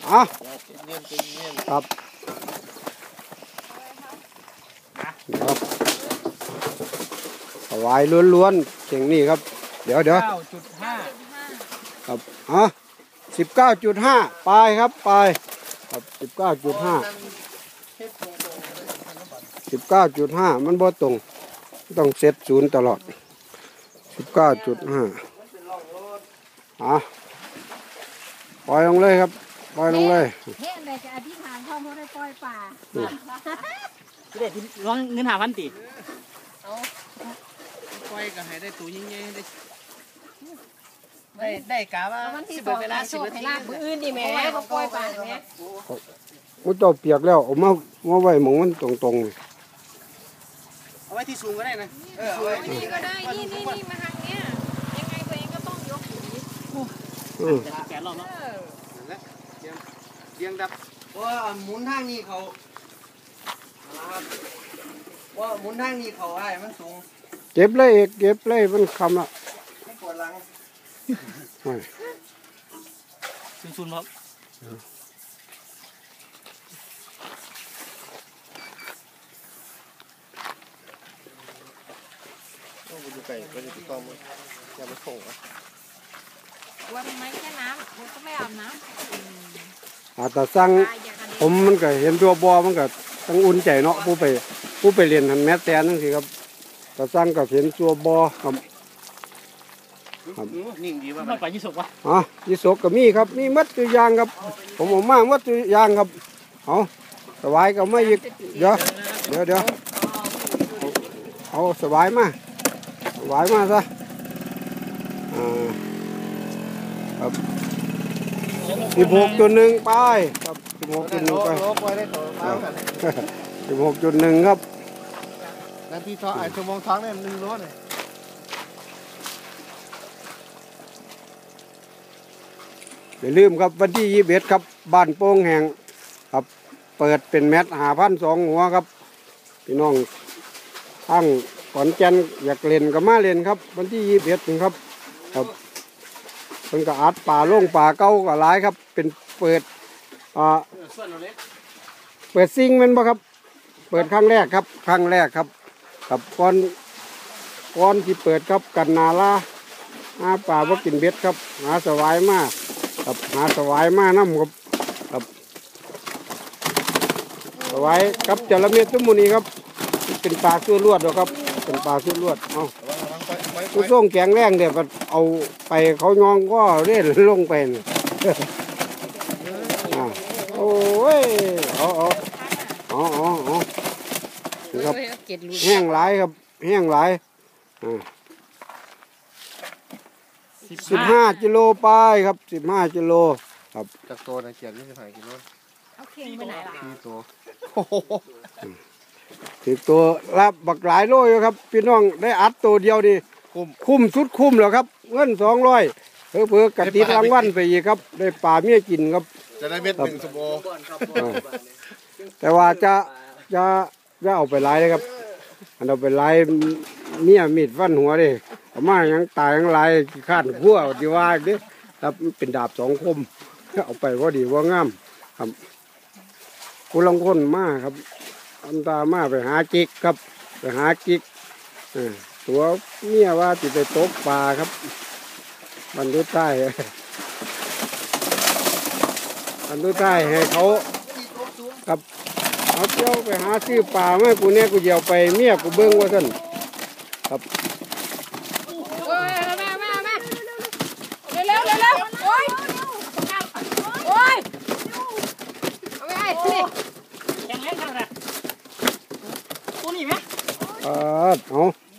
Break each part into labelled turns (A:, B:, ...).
A: อ่ะครับสวายล้วนๆเก่งนี่ครับเดี๋ยวครับ19.5 ปลายครับปลายครับ19.5 มันบ่ตรงต้องเซตศูนย์ตลอด19.5ปล่อยลงเลยครับปล่อยลงเลย
B: เฮ้ยแม่จะอธิษฐานพ่อเขาได้ปล่อยป่า
C: เด็ดร้องเงิน5,000ติ
D: ปล่อยก็ให้ได้ตัวยิ่งใหญ่ได้กะว่า10เวลา10นาที
B: มื้ออื่นดิแม่เขาปล่อยป่าแม่
A: มุดเจ้าเปียกแล้วเอามาไว้หมองมันตรงๆ
D: เอาไว้ที่สูงก็ได้นะ
B: เอาไว้นี่ก็ได้นี่มาทางเนี้ยยังไงตัวเองก็ต้องยกอยู่
C: แกะรอบเนาะ
D: นั่นแหละเรียงดับว่าหมุนทางนี้เขาว่าหมุนทางนี้เขาไอ้มันสูง
A: เก็บเลยเก็บเลยมันคำละ
D: ไม่ปวดหลัง
C: ซุนๆครับ
D: อยู่ไกลก็จะต้องอย่าไปส่ง
B: วันไหมแค่น้ำมันก็ไม่อาบน้
A: ำแต่สั่งผมมันก็เห็นตัวบอมันก็ต้องอุ่นใจเนาะผู้ไปเรียนหันแมสแทนนั่นสิครับแต่สั่งก็เห็นตัวบอครับ
D: นิ่งดีว่า
C: มันไปยี่สกวะ
A: ยี่สกก็มีครับมีมัดตัวยางครับผมเอามามัดตัวยางครับเอาสบายก็ไม่ยึดเดี๋ยวเอาสบายมาซะครับ16.1 ไปครับ16.1 ไป16.1 ครับ
D: นาทีท้องชั่วโมงท้องเนี่ย1 โลเลย
A: อย่าลืมครับวันที่21ครับบ้านโป่งแห่งครับเปิดเป็นแมตช์5,200 หัวครับพี่น้องทั้งขอนแก่นอยากเล่นก็มาเล่นครับวันที่21นี่ครับเป็นกระอัดป่าโล่งป่าเก่าก็หลายครับเป็นเปิดซิงมันบ่ครับเปิดครั้งแรกครับกับก่อนที่เปิดครับกันนาลาหาป่าว่ากินเบ็ดครับหาสวายมากครับหาสวายมาน้ำครับสวายกับจระเม็ดตุ้มมูนีครับเป็นปลาซื่อลวดหรอครับเป็นปลาซื่อลวดเอาผู้ส่งแกงแรงเดี๋ยวเอาไปเขายองก็เล่นลงไปโอ้ยครับแห้งหลายครับแห้งหลาย15 กิโลไปครับ15 กิโลครับ
D: จากตัวนะเขียน25 กิโล
B: เอาเข่งไปไหนล่ะ
D: 4 ตัว
A: 10 ตัวรับบักหลายโลอยู่ครับพี่น้องได้อัดตัวเดียวดิคุ้มสุดคุ้มแล้วครับเงิน200เพื่อกระติดรางวัลไปอีกครับได้ปลาเมียกินครับ
D: จะได้เม็ด1 สมโอ
A: แต่ว่าจะเอาไปไล่เลยครับอันเอาไปไล่เมียมีดฟันหัวดิเอามายังตายยังไล่คาดหัวดีว่าดิครับเป็นดาบ2 คมเอาไปว่าดีว่างามครับผู้ลงคนมาครับอันตามาไปหาจิกครับไปหาจิกตัวเมียว่าติดไปตกปลาครับบรรทุกใต้ให้เขาครับเอาเจ้าไปหาซื้อปลามากูเนี่ยกูเดียวไปเมียกูเบิ้งว่าสั่นครับ
B: โอ้ยมาเร็วโอ้ยเอาไปสิ
C: ยังไงกันนะตัวนี้ไหม
A: เอา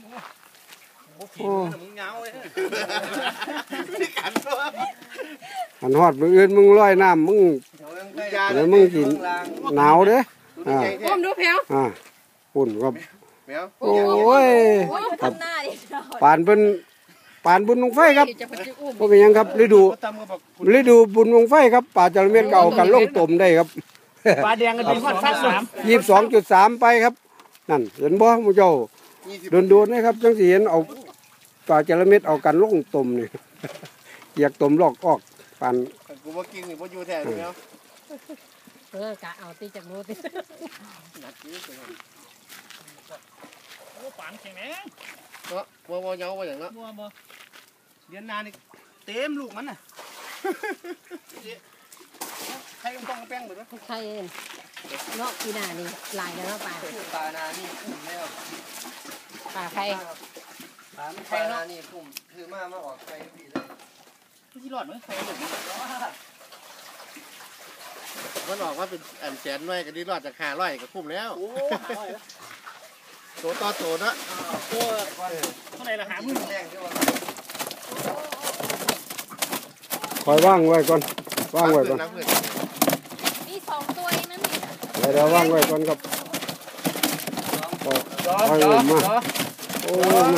A: หันหอดมืออื่นมึงลอยน้ำมึงเดี๋ยวมึงกินหนาวเด้
B: ก้มดูแผว
A: ปุ่นครับโอ้ยปานบุญวงไฟครับพวกยังครับฤดูบุญวงไฟครับป่าจระเม็ดเก่ากันล่องต่มได้ครับ
C: ปลาแดงกันเป็นฟัด
A: 22.3 ไปครับนั่นเห็นบ่มูเจ้าโดนนะครับจังสีเห็นเอาป่าจระเม็ดเอากันล่องต่มนี่อยากต่มลอกออกปาน
D: กูว่ากินหรือว่าอยู่แทนแล้ว
B: กะเอาตีจากโน้ต
D: หนักยืดไปเลย
C: โอ้ปานแข็งแรง
D: เนาะบ่เยาว่าอย่างเนาะ
C: บัวบ่
D: เดือนนานี่เต็มลูกมันน่ะใครต้องแป้งหมดวะ
B: ใช่เองเนาะปีหน้านี่ลายแล้วเนาะป่า
D: ปลานานี่คุ้มแล้ว
B: ป่าใคร
D: ปลานานี่คุ้มคือมาออกใครพี่เลย
C: ที่รอดมั้ยใครหลุด
E: มันออกว่าเป็นอันแสนน้อยก็ดีรอดจาก500ก็คุ้มแล้ว
C: โอ้500แล้ว
E: โตต่อโตเนาะ
C: โอ้เท่าไหร่ละ50,000
D: แรงที่ว่า
A: คอยว่างไว้ก่อนว่างไว้ก่อน
E: น้ำเพื่อน
B: มี2ตัวเองนั่นนี่
A: เดี๋ยวว่างไว้ก่อนครับคอยลงมาโอ้มัน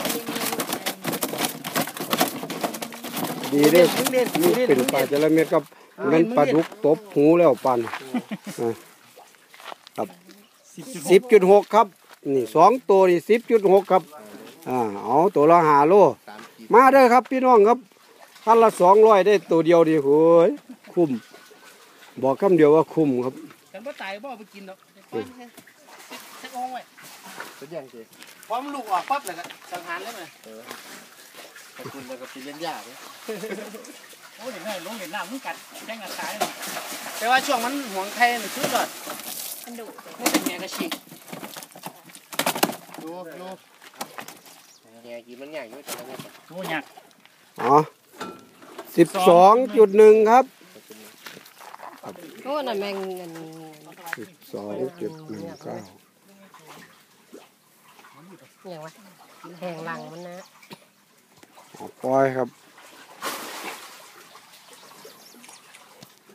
A: ดีเด้นี่เป็นปลาจระเม็ดครับมันปลาดุกตบหูแล้วปันครับ 10.6 ครับนี่2ตัวนี่10.6 ครับเอาตัวละ5 โล
E: 3 ขีด
A: มาเด้อครับพี่น้องครับคันละ200ได้ตัวเดียวดีโหยคุ้มบอกคำเดียวว่าคุ้มครับ
C: กันบ่ตายบ่เอาไปกินดอกปล่อยให้สักองไว้
E: เป็นอย่างสิ
C: พอมันลูกออกปั๊บแล้วก็สังหารเลยมั้ย
E: ขอบคุณแล้วก็เป็นเลี้ยงยากเลย
C: โอ้เห็นได้ลงเห็นน้ำมึงกัดแจ้งกัดตายแต่ว่าช่วงมันห่วงไข่นี่สุดยอด
B: มันดุ
C: มันเป็นแหงกระฉีก
E: อยู่แง่กินมันใหญ่อยู่แต่ละเม็ด
C: โอ้ยาก
A: อ๋อ12.1 ครับ
B: โอ้นั่นแมงเงิน
A: 12.19
B: อย่างวะแหงหลังมันนะ
A: ปล่อยครับ